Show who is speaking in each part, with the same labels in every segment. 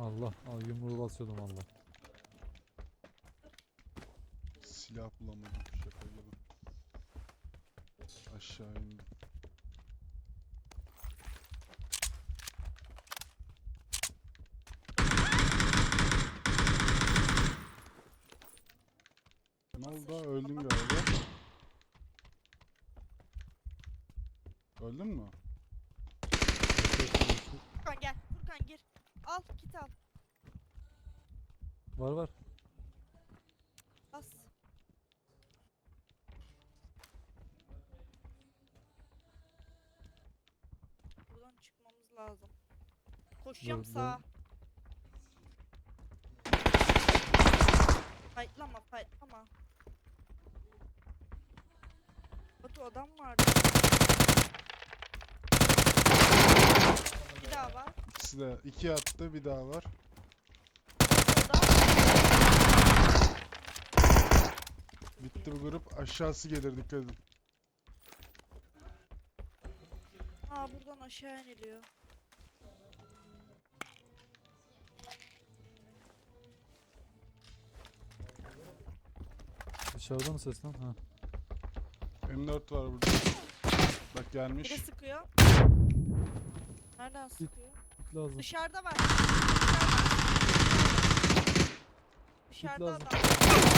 Speaker 1: Allah, yumruğu basıyordum Allah.
Speaker 2: Silah bulamadım, şaka gibi. Aşağı indim. Ne oldu? Öldün galiba. Öldün mü?
Speaker 3: Furkan gel. Furkan gir. Al kit al.
Speaker 1: Var var.
Speaker 3: Bas. Buradan çıkmamız lazım. Koşacağım
Speaker 1: Dur,
Speaker 3: sağa. Fightlama fightlama. Batu adam vardı. Bir daha var.
Speaker 2: İkisi de 2 attı, bir daha var.
Speaker 3: Adam.
Speaker 2: Bitti bu grup. Aşağısı gelir, dikkat edin.
Speaker 3: Aa buradan aşağı iniliyor.
Speaker 1: Dışarıda mı ses lan? Ha.
Speaker 2: M4 var burada. Bak gelmiş.
Speaker 3: Biri sıkıyor. Nereden sıkıyor?
Speaker 1: Git lazım.
Speaker 3: Dışarıda var. Dışarıda
Speaker 1: lazım.
Speaker 3: adam.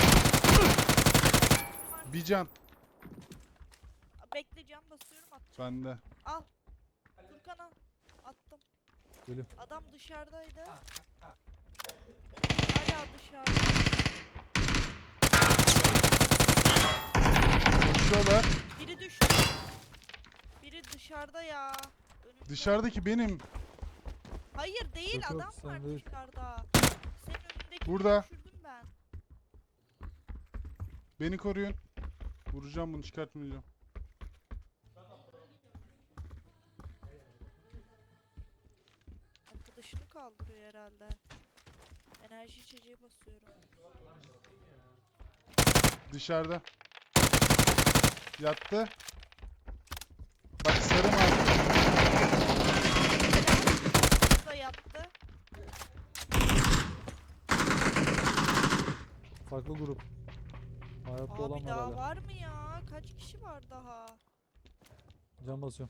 Speaker 2: Bir can.
Speaker 3: Bekle cam basıyorum atacağım.
Speaker 2: Bende.
Speaker 3: Al. Furkan'a attım.
Speaker 1: Geliyor.
Speaker 3: Adam dışarıdaydı. Hala dışarıda.
Speaker 2: Koşuyorlar.
Speaker 3: Biri düştü. Biri dışarıda ya. Önümde.
Speaker 2: Dışarıdaki benim.
Speaker 3: Hayır değil
Speaker 1: Yok, yok,
Speaker 3: adam
Speaker 1: sen
Speaker 3: var
Speaker 1: değil.
Speaker 3: dışarıda. Senin önündekini
Speaker 2: Burada.
Speaker 3: düşürdüm ben.
Speaker 2: Beni koruyun. Vuracağım bunu, çıkartmayacağım.
Speaker 3: Arkadaşını kaldırıyor herhalde. Enerji içeceği basıyorum.
Speaker 2: Dışarıda. Yattı. Bak sarı mavi.
Speaker 3: Bu da yattı.
Speaker 1: Farklı grup. Hayatta olan
Speaker 3: Abi
Speaker 1: var
Speaker 3: daha
Speaker 1: hala.
Speaker 3: var mı ya? Kaç kişi var daha?
Speaker 1: Can basıyorum.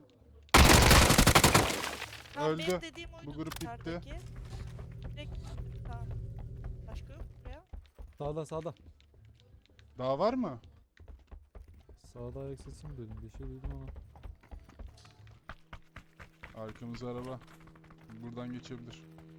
Speaker 3: Tamam,
Speaker 2: Öldü.
Speaker 3: benim dediğim oydu.
Speaker 2: Bu grup bitti.
Speaker 3: dışarıdaki. Direkt tamam. Başka yok mu ya?
Speaker 1: Sağda sağda.
Speaker 2: Daha var mı?
Speaker 1: Sağda ayak sesi mi duydum? Bir şey duydum ama.
Speaker 2: Arkamızda araba. Buradan geçebilir.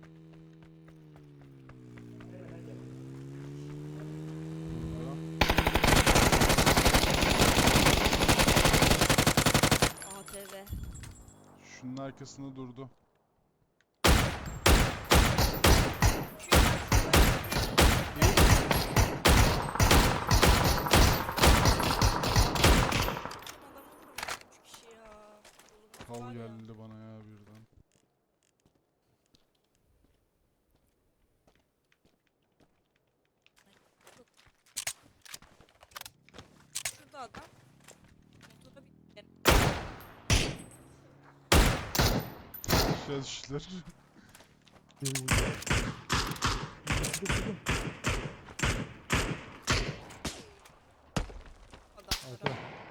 Speaker 3: ATV.
Speaker 2: Şunun arkasında durdu. Kal geldi bana ya birden.
Speaker 3: Şurada adam. Motora bir
Speaker 2: Aşağı düştüler.
Speaker 1: Geri gidiyor.
Speaker 3: adam.
Speaker 1: Arka.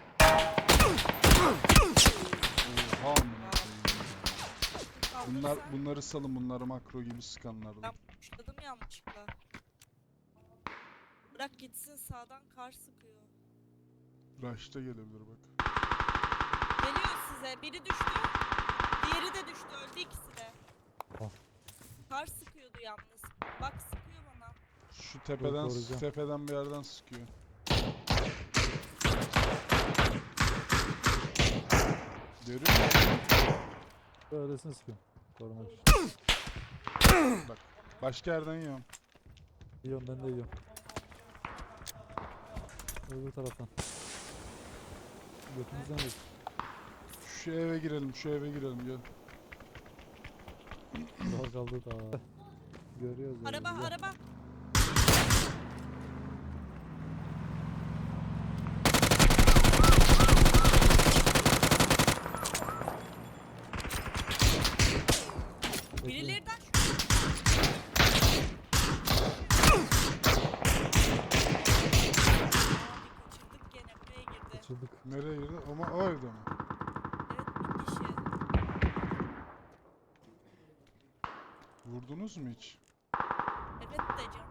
Speaker 2: Oha amına koyayım ya. Bunları salın, bunları makro gibi sıkanlardan.
Speaker 3: Ben puşladım yanlışlıkla. Bırak gitsin, sağdan kar sıkıyor.
Speaker 2: Rush'ta gelebilir bak.
Speaker 3: Geliyor size. Biri düştü. Diğeri de düştü. Öldü ikisi de.
Speaker 1: Ah.
Speaker 3: Kar sıkıyordu yalnız. Bak sıkıyor bana.
Speaker 2: Şu tepeden,
Speaker 1: koruyacağım.
Speaker 2: tepeden bir yerden sıkıyor. Görüyor musun?
Speaker 1: Böylesine sıkıyorum. Korumak için.
Speaker 2: Bak. Başka yerden yiyorum.
Speaker 1: Yiyorum, ben de yiyorum. Öbür taraftan. Götümüzden değil.
Speaker 2: Şu eve girelim, şu eve girelim gel.
Speaker 1: Daha kaldı daha. Görüyoruz yani.
Speaker 3: Araba,
Speaker 1: güzel.
Speaker 3: araba.
Speaker 1: Bekle.
Speaker 3: Birilerinden şu.
Speaker 2: Nereye girdi? Ama o evde mi?
Speaker 3: Evet, bir kişi.
Speaker 2: Vurdunuz mu hiç?
Speaker 3: Evet de can.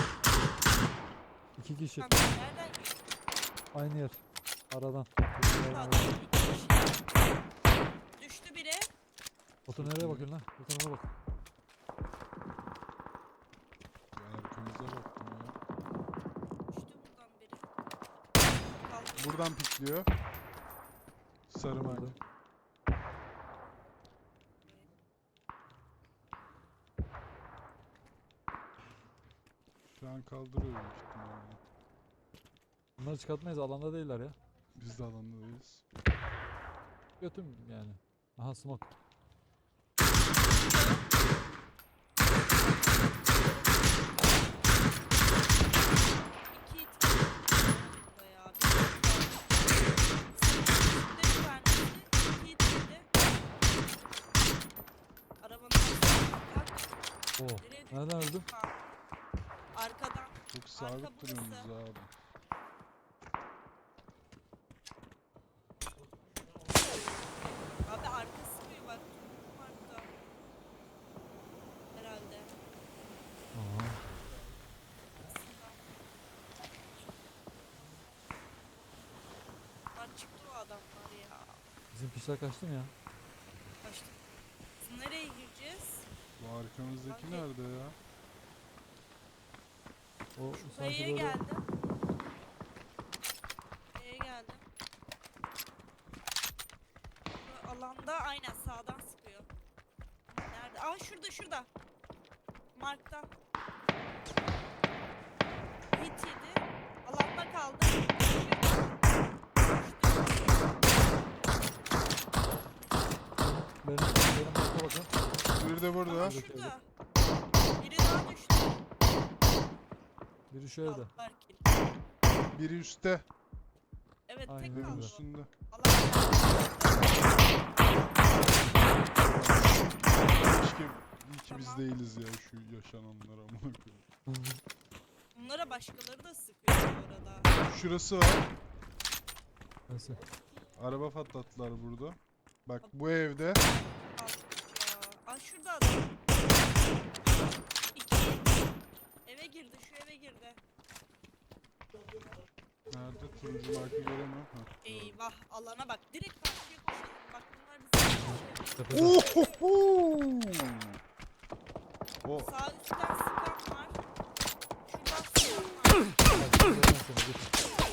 Speaker 1: 2 kişi.
Speaker 3: Kanka nereden gidiyor?
Speaker 1: Aynı yer. Aradan.
Speaker 3: Adam iki kişi. Düştü biri.
Speaker 1: Batu nereye bakıyorsun lan? Bu tarafa bak.
Speaker 2: Ben arkamıza baktım ya.
Speaker 3: Düştü buradan biri. Kaldı.
Speaker 2: Buradan pikliyor. Sarı mark.
Speaker 1: Aldım.
Speaker 2: Şu an kaldırıyor büyük ihtimalle.
Speaker 1: Bunları çıkartmayız. Alanda değiller ya.
Speaker 2: Biz de alandayız.
Speaker 1: Götüm yani. Aha smoke.
Speaker 3: İki it. Bayağı bir. Üstte bir tanesi. İki it yedi. Arabanın arkasına bak.
Speaker 1: Oo.
Speaker 3: Nereye düştü?
Speaker 1: Nereden öldüm?
Speaker 3: Ha. Arkadan.
Speaker 2: Çok sabit
Speaker 3: burası.
Speaker 2: duruyorsunuz abi.
Speaker 3: Abi arkası mı bak? Arka. Herhalde.
Speaker 1: Aha.
Speaker 3: Lan çıktı o adamlar ya.
Speaker 1: Bizim pişler kaçtı mı ya?
Speaker 3: Kaçtı. Biz nereye gireceğiz?
Speaker 2: Bu arkamızdaki
Speaker 3: Abi.
Speaker 2: nerede ya?
Speaker 1: O
Speaker 3: Şu
Speaker 1: sanki
Speaker 3: kayaya
Speaker 1: böyle
Speaker 3: geldim. Kayaya geldim. Bu alanda aynen sağdan sıkıyor. Ama nerede? Aa şurada şurada. Mark'ta. Hit yedi. Alanda kaldı.
Speaker 1: benim marka bakın.
Speaker 2: Bir de burada.
Speaker 3: Aa
Speaker 1: Şurada.
Speaker 3: şurada. Biri daha düştü.
Speaker 1: Biri şu evde.
Speaker 3: Aldılar kill.
Speaker 2: Biri üstte.
Speaker 3: Evet
Speaker 1: Aynen
Speaker 3: tek
Speaker 2: Evin
Speaker 3: kaldı.
Speaker 2: üstünde.
Speaker 3: Alan
Speaker 2: Keşke iyi ki biz
Speaker 3: Tamam.
Speaker 2: değiliz ya şu yaşananlara amına koyayım.
Speaker 3: bunlara başkaları da sıkıyor bu arada.
Speaker 2: Şurası var.
Speaker 1: Neyse.
Speaker 2: Araba patlattılar burada. Bak bu evde.
Speaker 3: Aldık ya. Aa şurada adam. İki. Eve girdi şu eve girdi.
Speaker 2: Nerede? Turuncu markı göremiyorum. Ha, gördüm.
Speaker 3: Eyvah alana bak. Direkt karşıya koşalım. Bak bunlar bizi
Speaker 1: Tepede.
Speaker 2: Ohoho! O
Speaker 3: sağ üstten sıkan var. Şuradan sıkan var.
Speaker 1: Bak, görüyorum seni, git.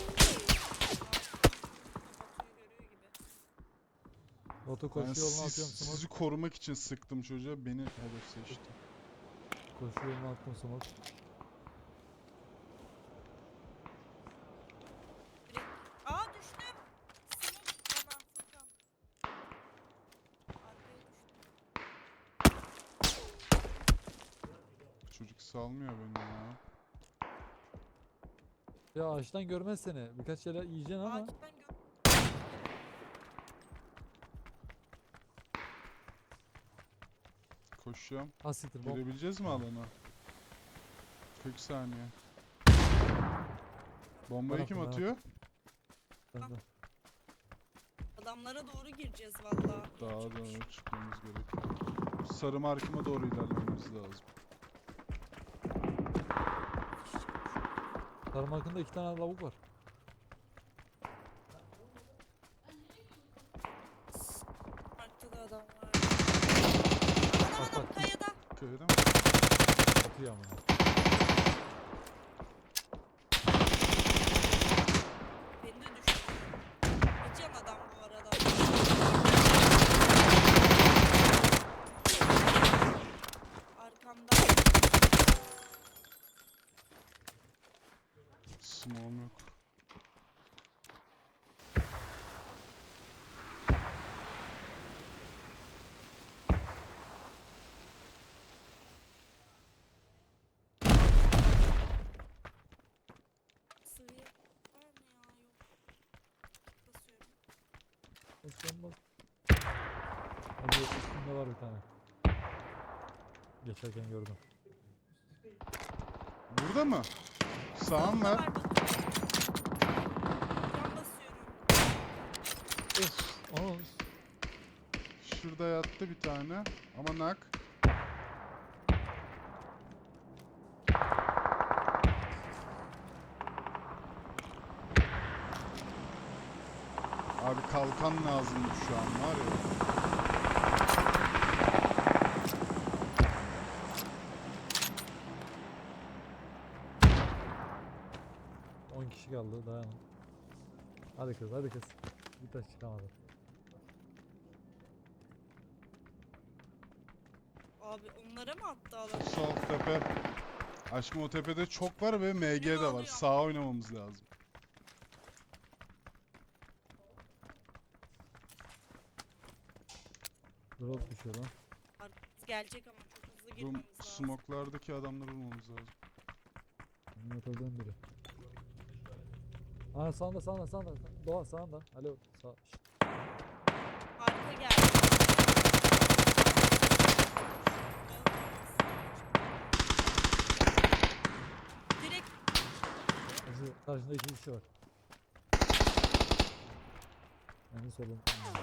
Speaker 3: Batu'yu görüyor gibi.
Speaker 1: Batu
Speaker 2: ben
Speaker 1: koşu yoluna atıyorum smoke.
Speaker 2: sizi korumak için sıktım çocuğa. Beni hedef seçti.
Speaker 1: Koşu yoluna attım smoke.
Speaker 3: Direkt. Aa düştüm. Smoke bana Furkan. Arkaya düştüm.
Speaker 2: Çocuk salmıyor beni ya.
Speaker 1: Ya ağaçtan görmez seni. Birkaç şeyler yiyeceksin ama.
Speaker 3: Ağaçtan gö...
Speaker 2: Koşuyorum.
Speaker 1: Ha siktir bom.
Speaker 2: Girebileceğiz mi alana? 40 saniye. Bombayı
Speaker 1: Bana
Speaker 2: kim
Speaker 1: atın, bana
Speaker 2: atıyor?
Speaker 1: Bende.
Speaker 3: Adamlara doğru gireceğiz valla.
Speaker 2: Daha da çıkmamız gerekiyor. Sarı markıma doğru ilerlememiz lazım.
Speaker 1: Sarımakında 2 tane lavuk var.
Speaker 3: Markta da adam var.
Speaker 1: Bak,
Speaker 3: Adam
Speaker 1: bak.
Speaker 3: kayada.
Speaker 2: Köyde mi?
Speaker 1: Atıyor ama.
Speaker 3: Beni de düşürdü. Bir can adam bu arada. Arkamda.
Speaker 2: Smoke'um yok.
Speaker 3: Sıvı var mı ya? Yok. Basıyorum.
Speaker 1: Basıyorum bas. Hadi üstünde var bir tane. Geçerken gördüm.
Speaker 2: Burada mı? Sağım
Speaker 3: Sağımda
Speaker 2: var.
Speaker 3: var bakın. Can basıyorum.
Speaker 1: Aa,
Speaker 2: Şurada yattı bir tane. Ama nak. Abi kalkan lazımdı şu an var ya.
Speaker 1: 10 kişi kaldı, dayanın. Hadi kız, hadi kız. Bir taş çıkamadı.
Speaker 3: Abi onlara mı attı adam?
Speaker 2: Sol tepe. Aşkım o tepede çok var ve MG de var.
Speaker 3: alıyorum.
Speaker 2: Sağa oynamamız lazım.
Speaker 1: Drop düşüyor lan.
Speaker 3: Arkamız gelecek ama çok hızlı
Speaker 2: Bu
Speaker 3: girmemiz lazım.
Speaker 2: smoklardaki adamları bulmamız lazım.
Speaker 1: Yatırdığım biri. Aa, sağında, sağında, sağında. Doğa sağında. Alo. Sağ. Şşt.
Speaker 3: Arka geldi. Direkt
Speaker 1: Acı, karşında 2 kişi var. Yani solun.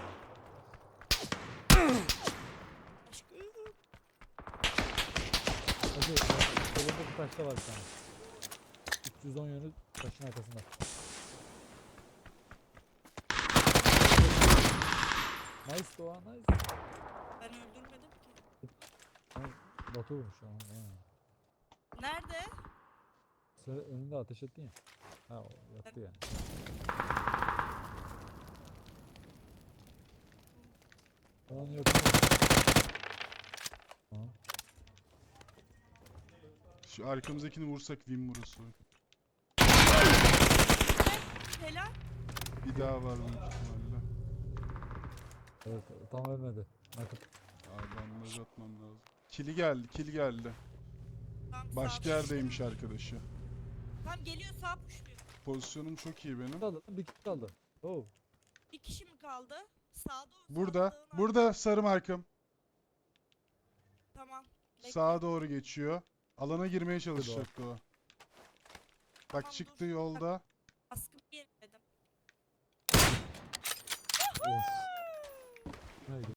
Speaker 3: aşkım.
Speaker 1: Acı, solunda bir taşta var bir tane. 310 yönü taşın arkasında. Nice Doğa, nice.
Speaker 3: Ben öldürmedim ki.
Speaker 1: Ha, Batu vurmuş ama. Ha.
Speaker 3: Nerede?
Speaker 1: Sen önünde ateş ettin ya. Ha, o yattı yani. Onun yok. Ha.
Speaker 2: Şu arkamızdakini vursak win burası.
Speaker 3: Helal.
Speaker 2: Bir daha var büyük ihtimalle.
Speaker 1: Evet, tam ölmedi. Nakıp.
Speaker 2: Abi bandaj atmam lazım. Kili geldi, kil geldi.
Speaker 3: Tam
Speaker 2: Başka
Speaker 3: sağda.
Speaker 2: yerdeymiş arkadaşı.
Speaker 3: Tam geliyor sağ puşluyor.
Speaker 2: Pozisyonum çok iyi benim.
Speaker 1: Kaldı, bir kişi kaldı. Oh.
Speaker 3: Bir kişi mi kaldı? Sağda o.
Speaker 2: Burada,
Speaker 3: sağda dağın
Speaker 2: burada sarı markım.
Speaker 3: Tamam. Bekle.
Speaker 2: Sağa doğru geçiyor. Alana girmeye çalışacaktı o. Bak
Speaker 3: Tamam,
Speaker 2: çıktı
Speaker 3: dur.
Speaker 2: yolda.
Speaker 3: Baskın yemedim.
Speaker 1: Of. Neydi?